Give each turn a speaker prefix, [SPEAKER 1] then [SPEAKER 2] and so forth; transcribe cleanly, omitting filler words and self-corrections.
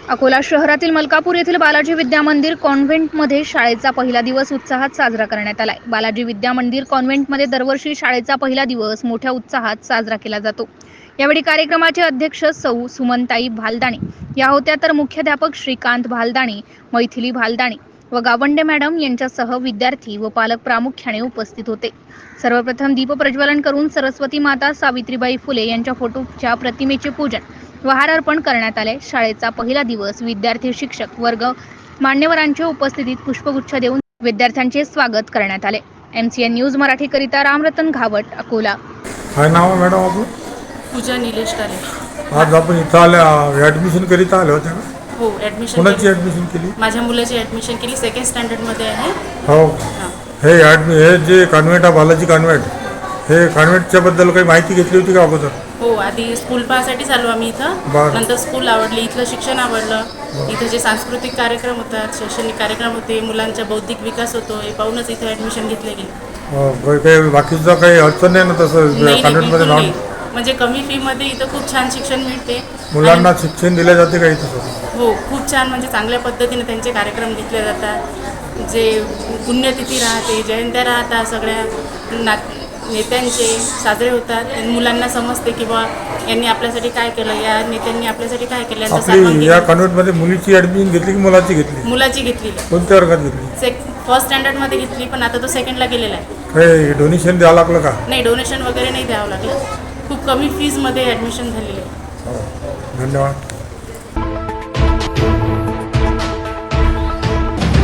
[SPEAKER 1] अकोला शहरातील मलकापूर येथील बालाजी विद्या मंदिर कॉन्व्हेंटमध्ये शाळेचा पहिला दिवस उत्साहात साजरा करण्यात आलाय। बालाजी विद्या मंदिर कॉन्व्हेंटमध्ये दरवर्षी शाळेचा पहिला दिवस मोठ्या उत्साहात साजरा केला जातो। यावेळी कार्यक्रमाचे अध्यक्ष सौ सुमनताई भालदाणी या होत्या, तर मुख्याध्यापक श्रीकांत भालदाणी, मैथिली भालदाणी व गावंडे मॅडम यांच्यासह विद्यार्थी व पालक प्रामुख्याने उपस्थित होते। सर्वप्रथम दीप प्रज्वलन करून सरस्वती माता सावित्रीबाई फुले यांच्या फोटोच्या प्रतिमेचे पूजन व हार अर्पण करण्यात आले। शाळेचा पहिला दिवस विद्यार्थी, शिक्षक वर्ग, मान्यवरांच्या उपस्थितीत पुष्पगुच्छ देऊन विद्यार्थ्यांचे स्वागत करण्यात आले। MCN न्यूज मराठी करिता रामरतन घावट, अकोला।
[SPEAKER 2] काय नाव आहे मॅडम आपलं?
[SPEAKER 3] पूजा निलेश काले।
[SPEAKER 2] आज आपण इथं आल्या ॲडमिशन करिता आले होते का?
[SPEAKER 3] हो, ॲडमिशन
[SPEAKER 2] कोणाची ॲडमिशन केली?
[SPEAKER 3] माझ्या मुलाची ॲडमिशन केली, 2nd स्टँडर्डमध्ये आहे।
[SPEAKER 2] हो,
[SPEAKER 3] हां,
[SPEAKER 2] हे जे कॉन्व्हेंट आहे बालाजी कॉन्व्हेंट, हे कॉन्व्हेंटच्या बद्दल काही माहिती घेतली होती का अगोदर?
[SPEAKER 3] हो, आधी स्कूल पाहण्यासाठी आलो आम्ही इथं।
[SPEAKER 2] बरं.
[SPEAKER 3] नंतर स्कूल आवडली, इथलं शिक्षण आवडलं। इथं जे सांस्कृतिक कार्यक्रम होतात, शैक्षणिक कार्यक्रम होते, मुलांचा बौद्धिक विकास होतो, हे पाहूनच इथं ॲडमिशन घेतलं गेलं।
[SPEAKER 2] काही बाकीचं काही अडचण नाही ना तसं
[SPEAKER 3] नाही,
[SPEAKER 2] कॉन्व्हेंटमध्ये
[SPEAKER 3] बिलकुल
[SPEAKER 2] जाऊन?
[SPEAKER 3] नाही। म्हणजे कमी फीमध्ये इथं खूप छान शिक्षण मिळते।
[SPEAKER 2] मुलांना शिक्षण दिले जाते का इथं?
[SPEAKER 3] हो, खूप छान, म्हणजे चांगल्या पद्धतीने त्यांचे कार्यक्रम घेतले जातात। जे पुण्यतिथी राहते, जयंत्या राहतात, सगळ्या नेत्यांचे साजरे होतात। मुलांना समजते की बा यांनी आपल्यासाठी काय केलं, या नेत्यांनी आपल्यासाठी काय केलं, यांचा सन्मान
[SPEAKER 2] आपली
[SPEAKER 3] केला।
[SPEAKER 2] या कॉन्व्हेंटमध्ये मुलीची ॲडमिशन घेतली की मुलाची घेतली?
[SPEAKER 3] मुलाची घेतली,
[SPEAKER 2] कोणत्या वर्गात घेतली?
[SPEAKER 3] 1st स्टँडर्डमध्ये घेतली, पण आता तो 2ndला गेलेला आहे।
[SPEAKER 2] काही डोनेशन द्यावं लागलं का?
[SPEAKER 3] नाही, डोनेशन वगैरे नाही द्यावं लागलं। खूप कमी फीजमध्ये ॲडमिशन झालेली आहे।
[SPEAKER 2] हो, धन्यवाद।